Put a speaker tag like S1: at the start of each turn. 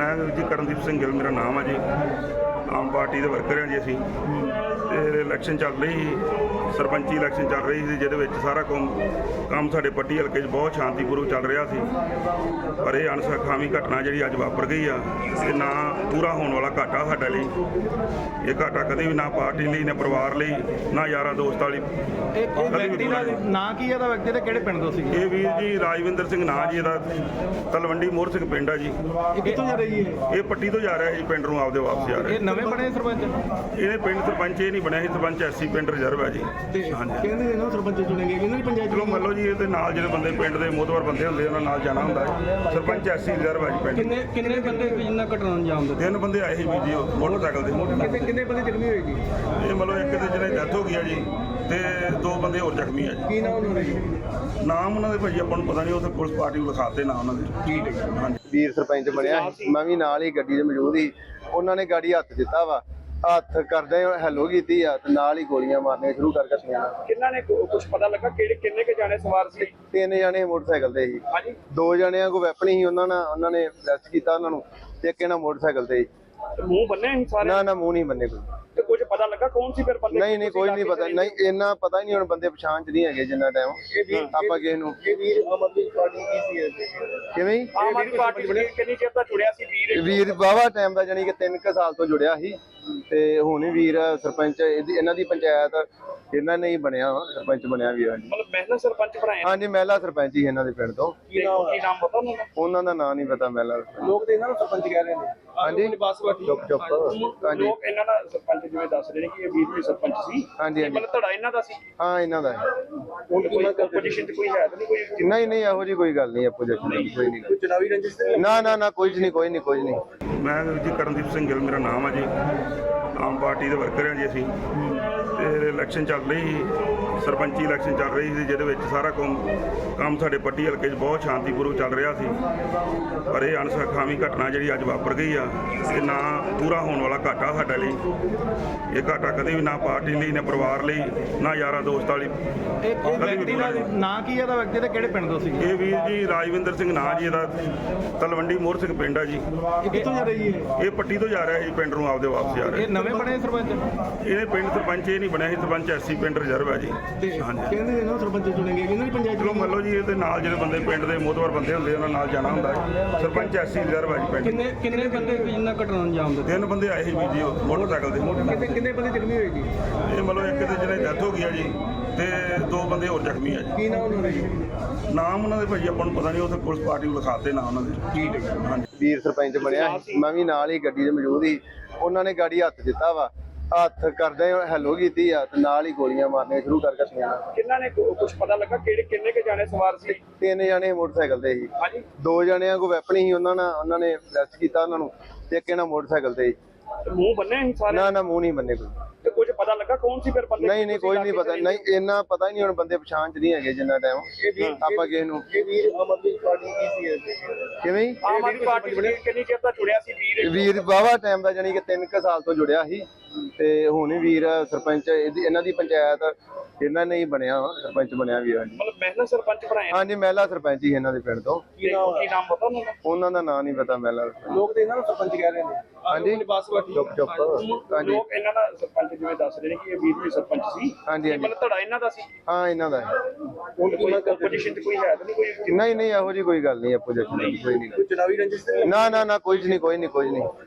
S1: ਮੈਂ ਜੀ ਕਰਨਦੀਪ ਸਿੰਘ ਗਿੱਲ ਮੇਰਾ ਨਾਮ ਹੈ ਜੀ। ਆਮ ਪਾਰਟੀ ਦੇ ਵਰਕਰ ਹਾਂ ਜੀ ਅਸੀਂ। ਤੇ ਇਲੈਕਸ਼ਨ ਚੱਲ ਰਹੀ ਸੀ, ਸਰਪੰਚੀ ਇਲੈਕਸ਼ਨ ਚੱਲ ਰਹੀ ਸੀ, ਜਿਹਦੇ ਵਿੱਚ ਸਾਰਾ ਕੰਮ ਸਾਡੇ ਪੱਟੀ ਹਲਕੇ 'ਚ ਬਹੁਤ ਸ਼ਾਂਤੀਪੂਰਵਕ ਚੱਲ ਰਿਹਾ ਸੀ। ਪਰ ਇਹ ਅਣਸਖਾਵੀ ਘਟਨਾ ਜਿਹੜੀ ਅੱਜ ਵਾਪਰ ਗਈ ਆ, ਇਹ ਨਾ ਪੂਰਾ ਹੋਣ ਵਾਲਾ ਘਾਟਾ ਸਾਡੇ ਲਈ। ਇਹ ਘਾਟਾ ਕਦੇ ਵੀ ਨਾ ਪਾਰਟੀ ਲਈ, ਨਾ ਪਰਿਵਾਰ ਲਈ, ਨਾ ਯਾਰਾਂ ਦੋਸਤਾਂ ਲਈ।
S2: ਵਿਅਕਤੀ ਦਾ ਨਾਂ ਕੀ ਹੈ? ਦਾ ਵਿਅਕਤੀ ਤੇ ਕਿਹੜੇ ਪਿੰਡ ਤੋਂ ਸੀ?
S1: ਇਹ ਵੀਰ ਜੀ ਰਾਜਵਿੰਦਰ ਸਿੰਘ ਨਾਂ ਜੀ ਇਹਦਾ, ਤਲਵੰਡੀ ਮੋਹਰ ਸਿੰਘ ਪਿੰਡ ਆ ਜੀ।
S2: ਇਹ ਕਿੱਥੋਂ ਜਾ ਰਹੀ ਹੈ?
S1: ਇਹ ਪੱਟੀ ਤੋਂ ਜਾ ਰਿਹਾ ਜੀ, ਪਿੰਡ ਨੂੰ ਆਪਦੇ ਵਾਪਸ ਜਾ ਰਿਹਾ।
S2: ਇਹ ਨਵੇਂ ਬਣੇ ਸਰਪੰਚ?
S1: ਇਹਨੇ ਪਿੰਡ ਸਰਪੰਚ ਇਹ ਨਹੀਂ ਬਣਿਆ ਸੀ, ਸਰਪੰਚ ਐਸੀ ਪਿੰਡ ਰਿਜ਼ਰਵ ਹੈ ਜੀ। ਹਾਂਜੀ,
S2: ਕਹਿੰਦੇ ਨੇ ਨਾ ਸਰਪੰਚ ਚੁਣੇਗੇ ਇਹਨਾਂ ਦੀ ਪੰਚਾਇਤ।
S1: ਚਲੋ ਮੰਨ ਲਓ ਜੀ, ਇਹਦੇ ਨਾਲ ਜਿਹੜੇ ਬੰਦੇ ਪਿੰਡ ਦੇ ਮੋਹਤਵਰ ਬੰਦੇ ਹੁੰਦੇ ਉਹਨਾਂ ਨਾਲ ਜਾਣਾ ਹੁੰਦਾ ਹੈ। ਸਰਪੰਚ ਐਸੀ ਰਿਜ਼ਰਵ ਹੈ ਜੀ ਪਿੰਡ।
S2: ਕਿੰਨੇ ਬੰਦੇ ਜਿੰਨਾ ਘਟਨਾ ਨੂੰ ਅੰਜਾਮ ਦਿੱਤਾ?
S1: 3 ਬੰਦੇ ਆਏ ਸੀ ਵੀਰ ਜੀ ਮੋਟਰਸਾਈਕਲ ਤੇ।
S2: ਕਿੰਨੇ ਬੰਦੇ ਜ਼ਖਮੀ ਹੋਏ ਜੀ?
S1: ਇਹ ਮੰਨ ਲਓ ਇੱਕ ਦੇ ਜਿਹਨੇ ਡੈਥ ਹੋ ਗਈ ਆ ਜੀ, ਤੇ 2 ਬੰਦੇ ਹੋਰ ਜ਼ਖਮੀ ਆ ਜੀ।
S2: ਕੀ ਨਾਮ ਉਹਨਾਂ ਦੇ?
S1: ਨਾਮ ਉਹਨਾਂ ਦੇ ਭਾਜੀ ਆਪਾਂ ਨੂੰ ਪਤਾ ਨਹੀਂ, ਉੱਥੇ ਪੁਲਿਸ ਪਾਰਟੀ ਨੂੰ ਲਿਖਾਤੇ ਨਾ ਉਹਨਾਂ ਦੇ।
S2: ਠੀਕ ਹੈ।
S1: ਹਾਂਜੀ,
S3: ਵੀਰ ਸਰਪੰਚ ਬਣਿਆ, ਮੈਂ ਵੀ ਨਾਲ ਹੀ ਗੱਡੀ 'ਚ ਮੌਜੂਦ ਸੀ। ਉਹਨਾਂ ਨੇ ਗਾੜੀ ਹੱਥ ਦਿੱਤਾ ਵਾ, ਹੱਥ ਕਰਦੇ ਹੈਲੋ ਕੀਤੀ ਆ ਤੇ ਨਾਲ ਹੀ ਗੋਲੀਆਂ ਮਾਰਨੀਆਂ ਸ਼ੁਰੂ ਕਰ ਦਿੱਤੀਆਂ।
S4: ਕਿੰਨਾ ਨੇ ਕੁਝ ਪਤਾ ਲੱਗਾ ਕਿੰਨੇ ਕੇ ਜਾਣੇ ਸਵਾਰ ਸੀ?
S3: 3 ਜਣੇ ਮੋਟਰਸਾਈਕਲ ਤੇ ਸੀ।
S4: ਹਾਂਜੀ,
S3: 2 ਜਣਿਆਂ ਕੋਲ ਵੈਪਨ ਸੀ, ਉਹਨਾਂ ਨੇ ਅਰੈਸਟ ਕੀਤਾ ਉਹਨਾਂ ਨੂੰ। ਤੇ ਇੱਕ ਇਹਨਾਂ ਮੋਟਰਸਾਈਕਲ ਤੇ ਸੀ।
S4: ਤੇ ਮੂੰਹ ਬੰਨੇ ਸੀ ਸਾਰੇ?
S3: ਨਾ ਮੂੰਹ ਨਹੀਂ ਬੰਨੇ ਕੋਈ।
S4: ਤੇ ਕੁਝ ਪਤਾ ਲੱਗਾ ਕੌਣ ਸੀ ਫਿਰ ਬੰਦੇ?
S3: ਨਹੀਂ ਕੋਈ ਨਹੀਂ ਪਤਾ, ਨਹੀਂ ਇੰਨਾ ਪਤਾ ਹੀ ਨਹੀਂ। ਹੁਣ ਬੰਦੇ ਪਛਾਣ 'ਚ ਨਹੀਂ ਹੈਗੇ ਜਿੰਨਾ ਟਾਈਮ ਆਪਾਂ ਕਿਸੇ ਨੂੰ।
S4: ਇਹ ਵੀਰ ਆਮ ਆਦਮੀ ਪਾਰਟੀ ਕੀ ਸੀ?
S3: ਕਿਵੇਂ ਜੀ?
S4: ਆਮ ਆਦਮੀ ਪਾਰਟੀ ਕਿੰਨੀ ਚਿਰ ਦਾ ਜੁੜਿਆ ਸੀ ਵੀਰ?
S3: ਵੀਰ ਵਾਹਵਾ ਟਾਈਮ ਦਾ, ਜਾਨੀ ਕਿ 3 ਸਾਲ ਤੋਂ ਜੁੜਿਆ ਸੀ। ਤੇ ਹੁਣ ਵੀਰ ਸਰਪੰਚ ਇਹਨਾਂ ਦੀ ਪੰਚਾਇਤ ਇਹਨਾਂ ਨੇ ਹੀ ਬਣਿਆ ਵਾ, ਸਰਪੰਚ ਬਣਿਆ ਵੀਰ।
S4: ਮਤਲਬ ਮਹਿਲਾ ਸਰਪੰਚ ਬਣਾਇਆ?
S3: ਹਾਂਜੀ, ਮਹਿਲਾ ਸਰਪੰਚ ਹੀ ਇਹਨਾਂ ਦੇ ਪਿੰਡ ਤੋਂ।
S4: ਕੀ ਨਾਮ ਪਤਾ ਉਹਨਾਂ ਦਾ?
S3: ਉਹਨਾਂ ਦਾ ਨਾਂ ਨਹੀਂ ਪਤਾ ਮਹਿਲਾ।
S4: ਲੋਕ ਤੇ ਇਹਨਾਂ ਨੂੰ ਸਰਪੰਚ ਕਹਿ ਰਹੇ ਨੇ।
S3: ਹਾਂਜੀ, ਚੁੱਪ। ਹਾਂਜੀ
S4: ਲੋਕ ਇਹਨਾਂ ਦਾ ਸਰਪੰਚ ਜਿਵੇਂ ਦੱਸ ਰਹੇ ਨੇ ਕਿ ਇਹ ਵੀਰ ਵੀ ਸਰਪੰਚ ਸੀ।
S3: ਹਾਂਜੀ
S4: ਮਤਲਬ ਧੜਾ ਇਹਨਾਂ ਦਾ ਸੀ?
S3: ਹਾਂ, ਇਹਨਾਂ ਦਾ ਹੈ।
S4: ਹੁਣ ਕੋਈ ਆਪੋਜੀਸ਼ਨ ਤੇ ਕੋਈ ਹੈ ਤਾਂ ਨਹੀਂ? ਕੋਈ
S3: ਨਹੀਂ ਇਹੋ ਜੀ ਕੋਈ ਗੱਲ ਨਹੀਂ। ਆਪੋਜੀਸ਼ਨ ਕੋਈ ਨਹੀਂ।
S4: ਚੁਣਾਵੀ ਰੰਜਿਸ਼?
S3: ਨਾ ਕੁਝ ਨਹੀਂ।
S1: ਮੈਂ ਜੀ ਕਰਨਦੀਪ ਸਿੰਘ ਗਿੱਲ ਮੇਰਾ ਨਾਮ ਹੈ ਜੀ। ਆਮ ਪਾਰਟੀ ਦੇ ਵਰਕਰ ਹਾਂ ਜੀ ਅਸੀਂ। ਤੇ ਇਲੈਕਸ਼ਨ ਚੱਲ ਰਹੀ ਸੀ, ਸਰਪੰਚੀ ਇਲੈਕਸ਼ਨ ਚੱਲ ਰਹੀ ਸੀ, ਜਿਹਦੇ ਵਿੱਚ ਸਾਰਾ ਕੰਮ ਸਾਡੇ ਪੱਟੀ ਹਲਕੇ 'ਚ ਬਹੁਤ ਸ਼ਾਂਤੀਪੂਰਵਕ ਚੱਲ ਰਿਹਾ ਸੀ। ਪਰ ਇਹ ਅਣਸਖਾਵੀ ਘਟਨਾ ਜਿਹੜੀ ਅੱਜ ਵਾਪਰ ਗਈ ਆ, ਇਹ ਨਾ ਪੂਰਾ ਹੋਣ ਵਾਲਾ ਘਾਟਾ ਸਾਡੇ ਲਈ। ਇਹ ਘਾਟਾ ਕਦੇ ਵੀ ਨਾ ਪਾਰਟੀ ਲਈ, ਨਾ ਪਰਿਵਾਰ ਲਈ, ਨਾ ਯਾਰਾਂ ਦੋਸਤਾਂ ਲਈ।
S2: ਇਹ ਵਿਅਕਤੀ ਦਾ ਨਾਂ ਕੀ ਹੈ? ਦਾ ਵਿਅਕਤੀ ਤੇ ਕਿਹੜੇ ਪਿੰਡ ਤੋਂ ਸੀ?
S1: ਇਹ ਵੀਰ ਜੀ ਰਾਜਵਿੰਦਰ ਸਿੰਘ ਨਾਂ ਜੀ ਇਹਦਾ, ਤਲਵੰਡੀ ਮੋਹਰ ਸਿੰਘ ਪਿੰਡ ਆ ਜੀ।
S2: ਇਹ ਕਿੱਥੋਂ ਜਾ ਰਹੀ ਹੈ?
S1: ਇਹ ਪੱਟੀ ਤੋਂ ਜਾ ਰਿਹਾ ਜੀ, ਪਿੰਡ ਨੂੰ ਆਪਦੇ ਵਾਪਸ ਜਾ ਰਿਹਾ।
S2: ਇਹ ਨਵੇਂ ਬਣੇ ਸਰਪੰਚ?
S1: ਇਹਨੇ ਪਿੰਡ ਸਰਪੰਚ ਇਹ ਨਹੀਂ ਬਣਿਆ ਸੀ, ਸਰਪੰਚ ਐਸੀ ਪਿੰਡ ਰਿਜ਼ਰਵ ਹੈ ਜੀ। ਹਾਂਜੀ,
S2: ਕਹਿੰਦੇ ਨੇ ਨਾ ਸਰਪੰਚ ਚੁਣੇਗੇ ਇਹਨਾਂ ਦੀ ਪੰਚਾਇਤ।
S1: ਚਲੋ ਮੰਨ ਲਓ ਜੀ, ਇਹਦੇ ਨਾਲ ਜਿਹੜੇ ਬੰਦੇ ਪਿੰਡ ਦੇ ਮੋਹਤਵਰ ਬੰਦੇ ਹੁੰਦੇ ਉਹਨਾਂ ਨਾਲ ਜਾਣਾ ਹੁੰਦਾ ਹੈ। ਸਰਪੰਚ ਐਸੀ ਰਿਜ਼ਰਵ ਹੈ ਜੀ ਪਿੰਡ।
S2: ਕਿੰਨੇ ਬੰਦੇ ਜਿੰਨਾ ਘਟਨਾ ਨੂੰ ਅੰਜਾਮ ਦਿੱਤਾ?
S1: 3 ਬੰਦੇ ਆਏ ਸੀ ਵੀਰ ਜੀ ਮੋਟਰਸਾਈਕਲ ਤੇ।
S2: ਕਿੰਨੇ ਬੰਦੇ ਜ਼ਖਮੀ ਹੋਏ ਜੀ?
S1: ਇਹ ਮੰਨ ਲਓ ਇੱਕ ਦੇ ਜਿਹਨੇ ਡੈਥ ਹੋ ਗਈ ਆ ਜੀ, ਤੇ 2 ਬੰਦੇ ਹੋਰ ਜ਼ਖਮੀ ਆ ਜੀ।
S2: ਕੀ ਨਾਮ ਉਹਨਾਂ ਦੇ?
S1: ਨਾਮ ਉਹਨਾਂ ਦੇ ਭਾਜੀ ਆਪਾਂ ਨੂੰ ਪਤਾ ਨਹੀਂ, ਉੱਥੇ ਪੁਲਿਸ ਪਾਰਟੀ ਨੂੰ ਲਿਖਾਤੇ ਨਾ ਉਹਨਾਂ ਦੇ।
S4: ਠੀਕ ਹੈ।
S1: ਹਾਂਜੀ,
S3: ਵੀਰ ਸਰਪੰਚ ਬਣਿਆ, ਮੈਂ ਵੀ ਨਾਲ ਹੀ ਗੱਡੀ 'ਚ ਮੌਜੂਦ ਸੀ। ਉਹਨਾਂ ਨੇ ਗਾੜੀ ਹੱਥ ਦਿੱਤਾ ਵਾ, ਹੱਥ ਕਰਦੇ ਹੈਲੋ ਕੀਤੀ ਆ ਤੇ ਨਾਲ ਹੀ ਗੋਲੀਆਂ ਮਾਰਨੀਆਂ ਸ਼ੁਰੂ ਕਰ ਦਿੱਤੀਆਂ।
S4: ਕਿੰਨਾ ਨੇ ਕੁਝ ਪਤਾ ਲੱਗਾ ਕਿੰਨੇ ਕੇ ਜਾਣੇ ਸਵਾਰ ਸੀ?
S3: 3 ਜਣੇ ਮੋਟਰਸਾਈਕਲ ਤੇ ਸੀ।
S4: ਹਾਂਜੀ,
S3: 2 ਜਣਿਆਂ ਕੋਲ ਵੈਪਨ ਸੀ, ਉਹਨਾਂ ਨੇ ਅਰੈਸਟ ਕੀਤਾ ਉਹਨਾਂ ਨੂੰ। ਤੇ ਇੱਕ ਇਹਨਾਂ ਮੋਟਰਸਾਈਕਲ ਤੇ ਸੀ।
S4: ਤੇ ਮੂੰਹ ਬੰਨੇ ਸੀ ਸਾਰੇ?
S3: ਨਾ ਮੂੰਹ ਨਹੀਂ ਬੰਨੇ ਕੋਈ।
S4: ਤੇ ਕੁਝ ਪਤਾ ਲੱਗਾ ਕੌਣ ਸੀ ਫਿਰ ਬੰਦੇ?
S3: ਨਹੀਂ ਕੋਈ ਨਹੀਂ ਪਤਾ, ਨਹੀਂ ਇੰਨਾ ਪਤਾ ਹੀ ਨਹੀਂ। ਹੁਣ ਬੰਦੇ ਪਛਾਣ 'ਚ ਨਹੀਂ ਹੈਗੇ ਜਿੰਨਾ ਟਾਈਮ ਆਪਾਂ ਕਿਸੇ ਨੂੰ।
S4: ਇਹ ਵੀਰ ਆਮ ਆਦਮੀ ਪਾਰਟੀ ਕੀ ਸੀ?
S3: ਕਿਵੇਂ ਜੀ?
S4: ਆਮ ਆਦਮੀ ਪਾਰਟੀ ਕਿੰਨੀ ਚਿਰ ਦਾ ਜੁੜਿਆ ਸੀ ਵੀਰ?
S3: ਵੀਰ ਵਾਹਵਾ ਟਾਈਮ ਦਾ, ਜਾਨੀ ਕਿ 3 ਸਾਲ ਤੋਂ ਜੁੜਿਆ ਸੀ। ਤੇ ਹੁਣ ਵੀਰ ਸਰਪੰਚ ਇਹਨਾਂ ਦੀ ਪੰਚਾਇਤ ਇਹਨਾਂ ਨੇ ਹੀ ਬਣਿਆ ਵਾ, ਸਰਪੰਚ ਬਣਿਆ ਵੀਰ।
S4: ਮਤਲਬ ਮਹਿਲਾ ਸਰਪੰਚ ਬਣਾਇਆ?
S3: ਹਾਂਜੀ, ਮਹਿਲਾ ਸਰਪੰਚ ਹੀ ਇਹਨਾਂ ਦੇ ਪਿੰਡ ਤੋਂ।
S4: ਕੀ ਨਾਮ ਪਤਾ ਉਹਨਾਂ ਦਾ?
S3: ਉਹਨਾਂ ਦਾ ਨਾਂ ਨਹੀਂ ਪਤਾ ਮਹਿਲਾ।
S4: ਲੋਕ ਤੇ ਇਹਨਾਂ ਨੂੰ ਸਰਪੰਚ ਕਹਿ ਰਹੇ ਨੇ।
S3: ਹਾਂਜੀ, ਚੁੱਪ। ਹਾਂਜੀ,
S4: ਲੋਕ ਇਹਨਾਂ ਦਾ ਸਰਪੰਚ ਜਿਵੇਂ ਦੱਸ ਰਹੇ ਨੇ ਕਿ ਇਹ ਵੀਰ ਵੀ ਸਰਪੰਚ ਸੀ।
S3: ਹਾਂਜੀ।
S4: ਮਤਲਬ ਧੜਾ ਇਹਨਾਂ ਦਾ ਸੀ?
S3: ਹਾਂ, ਇਹਨਾਂ ਦਾ ਹੈ।
S4: ਹੁਣ ਕੋਈ ਆਪੋਜੀਸ਼ਨ ਤੇ ਕੋਈ ਹੈ ਤਾਂ ਨਹੀਂ? ਕੋਈ
S3: ਨਹੀਂ ਇਹੋ ਜੀ ਕੋਈ ਗੱਲ ਨਹੀਂ। ਆਪੋਜੀਸ਼ਨ ਕੋਈ ਨਹੀਂ।
S4: ਚੁਣਾਵੀ ਰੰਜਿਸ਼?
S3: ਨਾ ਕੁਝ ਨਹੀਂ।